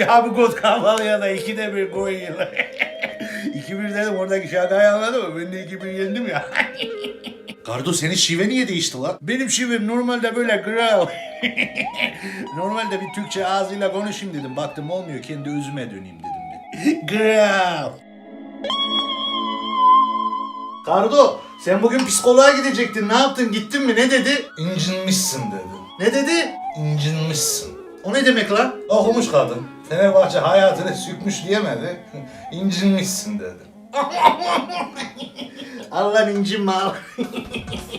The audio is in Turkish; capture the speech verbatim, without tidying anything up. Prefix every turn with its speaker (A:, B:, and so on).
A: Abi kod kahvalıya da ikide bir koyun. İki bir dedim oradaki şakayı anladın mı? Ben de iki bir yendim ya. Kardo senin şive niye değişti lan? Benim şivem normalde böyle kral. Normalde bir Türkçe ağzıyla konuşayım dedim. Baktım olmuyor, kendi özüme döneyim dedim ben. Kral. Kardo sen bugün psikoloğa gidecektin. Ne yaptın? Gittin mi? Ne dedi? İncinmişsin dedi. Ne dedi? İncinmişsin. O ne demek lan? Okumuş kadın. Fenerbahçe hayatını sükmüş diyemedi. İncinmişsin dedi. Allah'ın incinme al.